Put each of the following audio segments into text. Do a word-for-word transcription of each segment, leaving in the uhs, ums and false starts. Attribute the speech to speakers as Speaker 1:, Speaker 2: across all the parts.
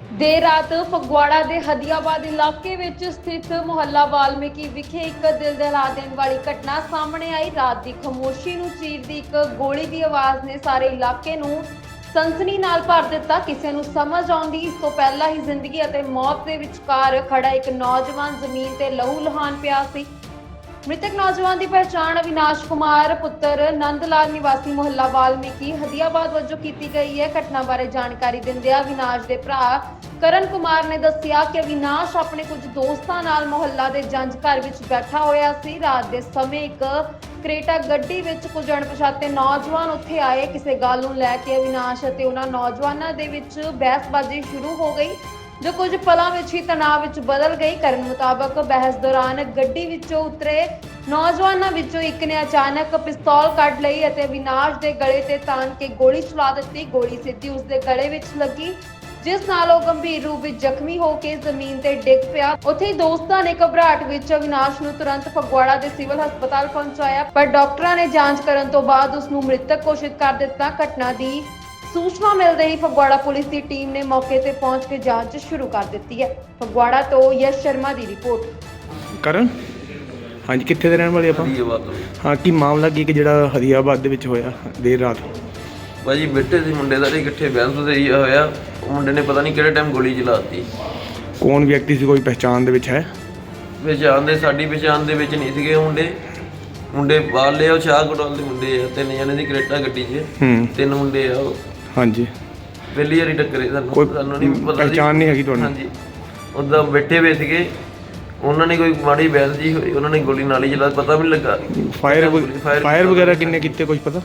Speaker 1: ਦੇਰ ਰਾਤ ਫਗਵਾੜਾ ਦੇ ਹਦੀਆਬਾਦ ਇਲਾਕੇ ਵਿੱਚ ਸਥਿਤ ਮੁਹੱਲਾ ਵਾਲਮੀਕੀ ਵਿਖੇ ਇੱਕ ਦਿਲ ਦਹਿਲਾ ਦੇਣ ਵਾਲੀ ਘਟਨਾ ਸਾਹਮਣੇ ਆਈ। ਰਾਤ ਦੀ ਖਾਮੋਸ਼ੀ ਨੂੰ ਚੀਰਦੀ ਇੱਕ ਗੋਲੀ ਦੀ ਆਵਾਜ਼ ਨੇ ਸਾਰੇ ਇਲਾਕੇ ਨੂੰ ਸਨਸਨੀ ਨਾਲ ਭਰ ਦਿੱਤਾ। ਕਿਸੇ ਨੂੰ ਸਮਝ ਆਉਂਦੀ ਇਸ ਤੋਂ ਪਹਿਲਾਂ ਹੀ ਜ਼ਿੰਦਗੀ ਅਤੇ ਮੌਤ ਦੇ ਵਿਚਕਾਰ ਖੜਾ ਇੱਕ ਨੌਜਵਾਨ ਜ਼ਮੀਨ ਤੇ ਲਹੂ ਲੁਹਾਨ ਪਿਆ ਸੀ। ਮ੍ਰਿਤਕ ਨੌਜਵਾਨ ਦੀ ਪਹਿਚਾਣ ਅਵਿਨਾਸ਼ ਕੁਮਾਰ ਪੁੱਤਰ ਨੰਦ ਲਾਲ ਨਿਵਾਸੀ ਮੁਹੱਲਾ ਵਾਲਮੀਕੀ ਹਦੀਆਬਾਦ ਵਜੋਂ ਕੀਤੀ ਗਈ ਹੈ। ਘਟਨਾ ਬਾਰੇ ਜਾਣਕਾਰੀ ਦਿੰਦਿਆਂ ਅਵਿਨਾਸ਼ ਦੇ ਭਰਾ ਕਰਨ ਕੁਮਾਰ ਨੇ ਦੱਸਿਆ ਕਿ ਅਵਿਨਾਸ਼ ਆਪਣੇ ਕੁਝ ਦੋਸਤਾਂ ਨਾਲ ਮੁਹੱਲਾ ਦੇ ਜੰਝ ਘਰ ਵਿੱਚ ਬੈਠਾ ਹੋਇਆ ਸੀ। ਰਾਤ ਦੇ ਸਮੇਂ ਇੱਕ ਕਰੇਟਾ ਗੱਡੀ ਵਿੱਚ ਕੁਝ ਅਣਪਛਾਤੇ ਨੌਜਵਾਨ ਉੱਥੇ ਆਏ। ਕਿਸੇ ਗੱਲ ਨੂੰ ਲੈ ਕੇ ਅਵਿਨਾਸ਼ ਅਤੇ ਉਹਨਾਂ ਨੌਜਵਾਨਾਂ ਦੇ ਵਿੱਚ ਬਹਿਸਬਾਜ਼ੀ ਸ਼ੁਰੂ ਹੋ ਗਈ, ਜੋ ਕੁਝ ਪਲਾਂ ਵਿੱਚ ਹੀ ਤਣਾਅ ਵਿੱਚ ਬਦਲ ਗਈ। ਕਰਨ ਮੁਤਾਬਕ ਬਹਿਸ ਦੌਰਾਨ ਗੱਡੀ ਵਿੱਚੋਂ ਉਤਰੇ ਨੌਜਵਾਨਾਂ ਵਿੱਚੋਂ ਇੱਕ ਨੇ ਅਚਾਨਕ ਪਿਸਤੌਲ ਕੱਢ ਲਈ ਅਤੇ ਅਵਿਨਾਸ਼ ਦੇ ਗਲੇ ਤੇ ਤਾਣ ਕੇ ਗੋਲੀ ਚਲਾ ਦਿੱਤੀ। ਗੋਲੀ ਸਿੱਧੀ ਉਸ ਦੇ ਗਲੇ ਵਿੱਚ ਲੱਗੀ, ਜਿਸ ਨਾਲ ਉਹ ਗੰਭੀਰ ਰੂਪ ਵਿੱਚ ਜ਼ਖਮੀ ਹੋ ਕੇ ਜ਼ਮੀਨ ਤੇ ਡਿੱਗ ਪਿਆ। ਉੱਥੇ ਹੀ ਦੋਸਤਾਂ ਨੇ ਘਬਰਾਹਟ ਵਿੱਚ ਅਵਿਨਾਸ਼ ਨੂੰ ਤੁਰੰਤ ਫਗਵਾੜਾ ਦੇ ਸਿਵਲ ਹਸਪਤਾਲ ਪਹੁੰਚਾਇਆ, ਪਰ ਡਾਕਟਰਾਂ ਨੇ ਜਾਂਚ ਕਰਨ ਤੋਂ ਬਾਅਦ ਉਸ ਨੂੰ ਮ੍ਰਿਤਕ ਘੋਸ਼ਿਤ ਕਰ ਦਿੱਤਾ। ਘਟਨਾ ਦੀ ਸੂਚਨਾ ਮਿਲਦੇ ਹੀ ਫਗਵਾੜਾ ਪੁਲਿਸ ਦੀ ਟੀਮ ਨੇ ਮੌਕੇ ਤੇ ਪਹੁੰਚ ਕੇ ਜਾਂਚ ਸ਼ੁਰੂ ਕਰ ਦਿੱਤੀ ਹੈ। ਫਗਵਾੜਾ ਤੋਂ ਯਸ਼ ਸ਼ਰਮਾ ਦੀ ਰਿਪੋਰਟ।
Speaker 2: ਕਰਨ ਹਾਂਜੀ, ਕਿੱਥੇ ਦੇ ਰਹਿਣ ਵਾਲੇ ਆਪਾਂ?
Speaker 3: ਹਦੀਆਬਾਦ।
Speaker 2: ਹਾਂ, ਕੀ ਮਾਮਲਾ ਕੀ ਕਿ ਜਿਹੜਾ ਹਦੀਆਬਾਦ ਦੇ ਵਿੱਚ ਹੋਇਆ ਦੇਰ ਰਾਤ?
Speaker 3: ਭਾਜੀ ਬੇਟੇ ਸੀ ਮੁੰਡੇ ਦਾ, ਇਕੱਠੇ ਬਹਿਸ ਤੇ ਹੋਇਆ। ਉਹ ਮੁੰਡੇ ਨੇ ਪਤਾ ਨਹੀਂ ਕਿਹੜੇ ਟਾਈਮ ਗੋਲੀ ਚਲਾਤੀ।
Speaker 2: ਕੌਣ ਵਿਅਕਤੀ ਸੀ, ਕੋਈ ਪਹਿਚਾਣ ਦੇ ਵਿੱਚ ਹੈ?
Speaker 3: ਪਛਾਣ ਦੇ ਸਾਡੀ ਪਛਾਣ ਦੇ ਵਿੱਚ ਨਹੀਂ ਸੀਗੇ ਮੁੰਡੇ। ਮੁੰਡੇ ਬਾਹਰਲੇ ਆ, ਉਹ ਸ਼ਾਹ ਕੋਟਵਾਲ ਦੇ ਮੁੰਡੇ ਆ। ਤਿੰਨ ਜਣੇ ਦੀ ਕਰੇਟਾ ਗੱਡੀ 'ਚ
Speaker 2: ਹੂੰ
Speaker 3: ਤਿੰਨ ਮੁੰਡੇ ਆ ਉਹ।
Speaker 2: ਹਾਂਜੀ,
Speaker 3: ਪਹਿਲੀ ਵਾਰੀ ਟੱਕਰੇ ਸਾਨੂੰ,
Speaker 2: ਕੋਈ
Speaker 3: ਸਾਨੂੰ ਨਹੀਂ ਪਤਾ ਸੀ।
Speaker 2: ਪਹਿਚਾਣ ਨਹੀਂ ਹੈਗੀ ਤੁਹਾਨੂੰ?
Speaker 3: ਹਾਂਜੀ, ਉੱਦਾਂ ਬੈਠੇ ਹੋਏ ਸੀਗੇ। ਉਹਨਾਂ ਨੇ ਕੋਈ ਮਾੜੀ ਬਹਿਸ ਜੀ ਹੋਈ, ਉਹਨਾਂ ਨੇ ਗੋਲੀ ਨਾਲ ਹੀ ਚਲਾ, ਪਤਾ ਵੀ ਨਹੀਂ ਲੱਗਾ।
Speaker 2: ਫਾਇਰ ਫਾਇਰ ਵਗੈਰਾ ਕਿੰਨੇ ਕੀਤੇ, ਕੁਝ ਪਤਾ?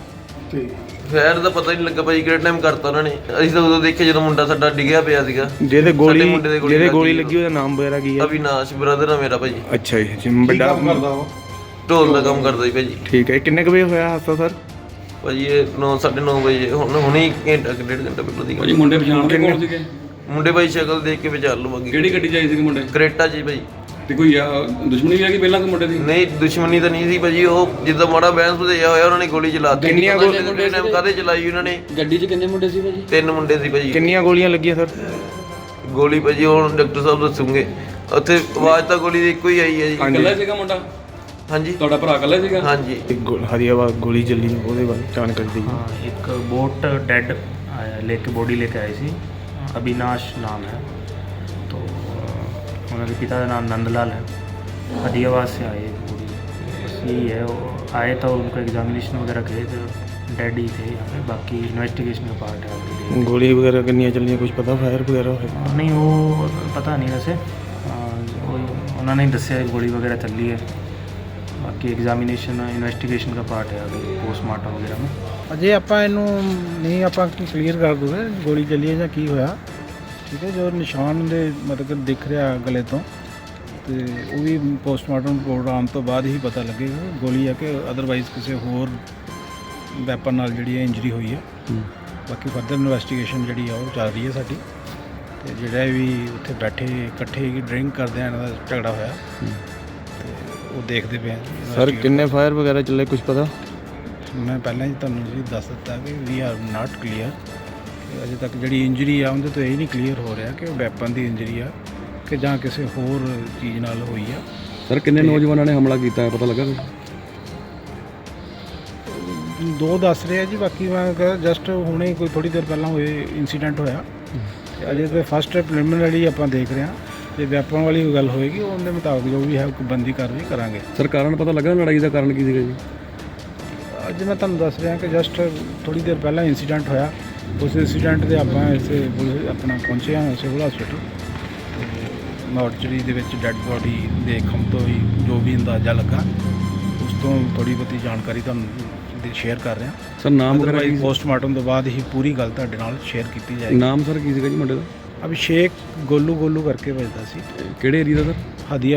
Speaker 3: ਫਾਇਰ ਦਾ ਪਤਾ ਹੀ ਨਹੀਂ ਲੱਗਾ ਭਾਈ, ਕਿਹੜੇ ਟਾਈਮ ਕਰਤਾ ਉਹਨਾਂ ਨੇ। ਅਸੀਂ ਤਾਂ ਉਦੋਂ ਦੇਖਿਆ ਜਦੋਂ ਮੁੰਡਾ ਸਾਡਾ ਡਿੱਗਿਆ ਪਿਆ ਸੀਗਾ।
Speaker 2: ਜਿਹਦੇ ਗੋਲੀ
Speaker 3: ਸਾਡੇ ਮੁੰਡੇ ਦੇ ਗੋਲੀ
Speaker 2: ਜਿਹਦੇ
Speaker 3: ਲੱਗੀ
Speaker 2: ਗੋਲੀ ਲੱਗੀ ਉਹਦਾ ਨਾਮ ਵਗੈਰਾ ਕੀ ਹੈ?
Speaker 3: ਅਵਿਨਾਸ਼ ਬ੍ਰਦਰ ਆ ਮੇਰਾ ਭਾਜੀ।
Speaker 2: ਅੱਛਾ ਜੀ, ਜਿਮ ਵੱਡਾ
Speaker 3: ਢੋਲ ਦਾ ਕੰਮ ਕਰਦਾ ਜੀ ਭਾਜੀ।
Speaker 2: ਠੀਕ ਹੈ। ਕਿੰਨੇ ਕੁ ਵਜੇ ਹੋਇਆ ਹਾਦਸਾ ਸਰ?
Speaker 3: ਭਾਜੀ ਇਹ ਨੌ ਸਾਢੇ ਨੌ ਵਜੇ, ਹੁਣ ਹੁਣੇ ਘੰਟਾ ਕੁ ਡੇਢ ਘੰਟਾ ਪਹਿਲਾਂ ਦੀ ਗੱਲ।
Speaker 4: ਭਾਜੀ ਮੁੰਡੇ ਪਛਾਣਦੇ ਕੌਣ ਸੀਗੇ?
Speaker 3: ਮੁੰਡੇ ਭਾਈ ਸ਼ਕਲ ਦੇਖ ਕੇ ਵਿਚਾਰ ਲਵਾਂਗੇ।
Speaker 4: ਕਿਹੜੀ ਗੱਡੀ 'ਚ ਆਏ ਸੀਗੇ ਮੁੰਡੇ?
Speaker 3: ਕਰੇਟਾ ਜੀ ਭਾਈ।
Speaker 4: ਤੇ ਕੋਈ ਆ, ਦੁਸ਼ਮਣੀ ਵੀ ਹੈਗੀ ਪਹਿਲਾਂ ਕਿ ਮੁੰਡੇ ਦੀ?
Speaker 3: ਨਹੀਂ, ਦੁਸ਼ਮਣੀ ਤਾਂ ਨਹੀਂ ਸੀ ਭਾਜੀ। ਉਹ ਜਿੱਦਾਂ ਮਾੜਾ ਬੈਂਸ ਵਧਿਆ ਹੋਇਆ, ਉਹਨਾਂ ਨੇ ਗੋਲੀ ਚਲਾਤੀ।
Speaker 2: ਕਿੰਨੀਆਂ
Speaker 3: ਗੋਲੀ ਟਾਈਮ ਕਾਹਦੇ ਚਲਾਈ ਉਹਨਾਂ ਨੇ?
Speaker 4: ਗੱਡੀ 'ਚ ਕਿੰਨੇ ਮੁੰਡੇ ਸੀ ਭਾਜੀ?
Speaker 3: ਤਿੰਨ ਮੁੰਡੇ ਸੀ ਭਾਜੀ।
Speaker 2: ਕਿੰਨੀਆਂ ਗੋਲੀਆਂ ਲੱਗੀਆਂ ਸਰ?
Speaker 3: ਗੋਲੀ ਭਾਜੀ ਹੁਣ ਡਾਕਟਰ ਸਾਹਿਬ ਦੱਸੂਗੇ। ਉੱਥੇ ਆਵਾਜ਼ ਤਾਂ ਗੋਲੀ ਦੀ ਇੱਕੋ ਹੀ ਆਈ ਹੈ ਜੀ।
Speaker 4: ਇਕੱਲਾ ਸੀਗਾ ਮੁੰਡਾ?
Speaker 3: ਹਾਂਜੀ,
Speaker 4: ਤੁਹਾਡਾ ਭਰਾ ਇਕੱਲਾ ਸੀਗਾ?
Speaker 3: ਹਾਂਜੀ।
Speaker 2: ਹਦੀਆਬਾਦ ਗੋਲੀ ਚੱਲੀ, ਉਹਦੇ ਬਾਰੇ ਜਾਣਕਾਰੀ ਦਿਓ।
Speaker 5: हाँ, एक बोट डेड लेके बॉडी लेके आई सी। अविनाश नाम है, तो उनके पिता का नाम नंदलाल है। हदियाबाद से आए पूरी, बस यही है। वो आए तो उनको एग्जामिनेशन वगैरह किए थे, डेड ही थे यहाँ पे। बाकी इन्वेस्टिगेशन का पार्ट है अभी।
Speaker 2: ਗੋਲੀ ਵਗੈਰਾ ਕਿੰਨੀਆਂ ਚੱਲੀਆਂ, ਕੁਝ ਪਤਾ? ਫਾਇਰ ਵਗੈਰਾ ਹੋਇਆ?
Speaker 5: नहीं, वो पता नहीं वैसे। उन्होंने ही दसिया गोली वगैरह चली है। बाकी एग्जामिनेशन इन्वेस्टिगेशन का पार्ट है अभी, पोस्टमार्टम वगैरह में।
Speaker 6: ਅਜੇ ਆਪਾਂ ਇਹਨੂੰ ਨਹੀਂ ਆਪਾਂ ਕਲੀਅਰ ਕਰ ਦੂਗੇ ਗੋਲੀ ਚੱਲੀ ਹੈ ਜਾਂ ਕੀ ਹੋਇਆ। ਠੀਕ ਹੈ, ਜੋ ਨਿਸ਼ਾਨ ਦੇ ਮਤਲਬ ਕਿ ਦਿਖ ਰਿਹਾ ਗਲੇ ਤੋਂ, ਤੇ ਉਹ ਵੀ ਪੋਸਟਮਾਰਟਮ ਰਿਪੋਰਟ ਆਉਣ ਤੋਂ ਬਾਅਦ ਹੀ ਪਤਾ ਲੱਗੇਗਾ ਗੋਲੀ ਹੈ ਕਿ ਅਦਰਵਾਈਜ਼ ਕਿਸੇ ਹੋਰ ਵੈਪਨ ਨਾਲ ਜਿਹੜੀ ਹੈ ਇੰਜਰੀ ਹੋਈ ਹੈ। ਬਾਕੀ ਫਰਦਰ ਇਨਵੈਸਟੀਗੇਸ਼ਨ ਜਿਹੜੀ ਆ ਉਹ ਚੱਲ ਰਹੀ ਹੈ ਸਾਡੀ। ਤੇ ਜਿਹੜਾ ਵੀ ਉੱਥੇ ਬੈਠੇ ਇਕੱਠੇ ਡਰਿੰਕ ਕਰਦੇ ਆ, ਇਹਨਾਂ ਦਾ ਝਗੜਾ ਹੋਇਆ, ਤੇ ਉਹ ਦੇਖਦੇ ਪਏ ਹਾਂ।
Speaker 2: ਸਰ ਕਿੰਨੇ ਫਾਇਰ ਵਗੈਰਾ ਚੱਲੇ, ਕੁਝ ਪਤਾ?
Speaker 6: ਮੈਂ ਪਹਿਲਾਂ ਹੀ ਤੁਹਾਨੂੰ ਜੀ ਦੱਸ ਦਿੱਤਾ ਕਿ ਵੀ ਆਰ ਨਾਟ ਕਲੀਅਰ। ਅਜੇ ਤੱਕ ਜਿਹੜੀ ਇੰਜਰੀ ਆ ਉਹਦੇ ਤੋਂ ਇਹ ਨਹੀਂ ਕਲੀਅਰ ਹੋ ਰਿਹਾ ਕਿ ਉਹ ਵੈਪਨ ਦੀ ਇੰਜਰੀ ਆ ਕਿ ਜਾਂ ਕਿਸੇ ਹੋਰ ਚੀਜ਼ ਨਾਲ ਹੋਈ ਆ।
Speaker 4: ਸਰ ਕਿੰਨੇ ਨੌਜਵਾਨਾਂ ਨੇ ਹਮਲਾ ਕੀਤਾ ਹੈ, ਪਤਾ ਲੱਗਾ ਕੁਛ?
Speaker 6: ਦੋ ਦੱਸ ਰਹੇ ਆ ਜੀ, ਬਾਕੀ ਮੈਂ ਜਸਟ ਹੁਣੇ ਕੋਈ ਥੋੜੀ ਦੇਰ ਪਹਿਲਾਂ ਹੋਏ ਇਨਸੀਡੈਂਟ ਹੋਇਆ। ਤੇ ਅਜੇ ਤਾਂ ਫਸਟ ਪ੍ਰੀਲਿਮਿਨਰੀ ਆਪਾਂ ਦੇਖ ਰਹੇ ਹਾਂ। ਜੇ ਵੈਪਨ ਵਾਲੀ ਕੋਈ ਗੱਲ ਹੋਏਗੀ ਉਹਦੇ ਮੁਤਾਬਕ ਜੋ ਵੀ ਹੈ ਬੰਦੀ ਕਾਰਵਾਈ ਕਰਾਂਗੇ।
Speaker 4: ਸਰ ਕਾਰਨ ਪਤਾ ਲੱਗਾ ਲੜਾਈ ਦਾ ਕਾਰਨ ਕੀ ਸੀਗਾ ਜੀ?
Speaker 6: ਅੱਜ ਮੈਂ ਤੁਹਾਨੂੰ ਦੱਸ ਰਿਹਾ ਕਿ ਜਸਟ ਥੋੜੀ ਦੇਰ ਪਹਿਲਾਂ ਇਨਸੀਡੈਂਟ ਹੋਇਆ। ਉਸ ਇਨਸੀਡੈਂਟ ਦੇ ਆਪਾਂ ਇੱਥੇ ਪੁਲਿਸ ਆਪਣਾ ਪਹੁੰਚੇ ਹਾਂ ਸਿਵਲ ਹਸਪੀਟਲ। ਮੋਰਚਰੀ ਦੇ ਵਿੱਚ ਡੈੱਡ ਬੋਡੀ ਦੇਖਣ ਤੋਂ ਹੀ ਜੋ ਵੀ ਅੰਦਾਜ਼ਾ ਲੱਗਾ, ਉਸ ਤੋਂ ਥੋੜੀ ਬਹੁਤੀ ਜਾਣਕਾਰੀ ਤੁਹਾਨੂੰ ਸ਼ੇਅਰ ਕਰ ਰਿਹਾ।
Speaker 4: ਸਰ ਨਾਮ ਵਗੈਰਾ
Speaker 6: ਅਦਰਵਾਈਜ਼ ਪੋਸਟਮਾਰਟਮ ਤੋਂ ਬਾਅਦ ਹੀ ਪੂਰੀ ਗੱਲ ਤੁਹਾਡੇ ਨਾਲ ਸ਼ੇਅਰ ਕੀਤੀ ਜਾਏਗੀ।
Speaker 4: ਨਾਮ ਸਰ ਕੀ ਸੀਗਾ ਜੀ ਮੁੰਡੇ ਦਾ?
Speaker 6: ਅਭਿਸ਼ੇਕ ਗੋਲੂ ਗੋਲੂ ਕਰਕੇ ਵੱਜਦਾ ਸੀ।
Speaker 4: ਕਿਹੜੇ ਏਰੀਆ ਦਾ ਸਰ?
Speaker 6: ਹਦੀਆ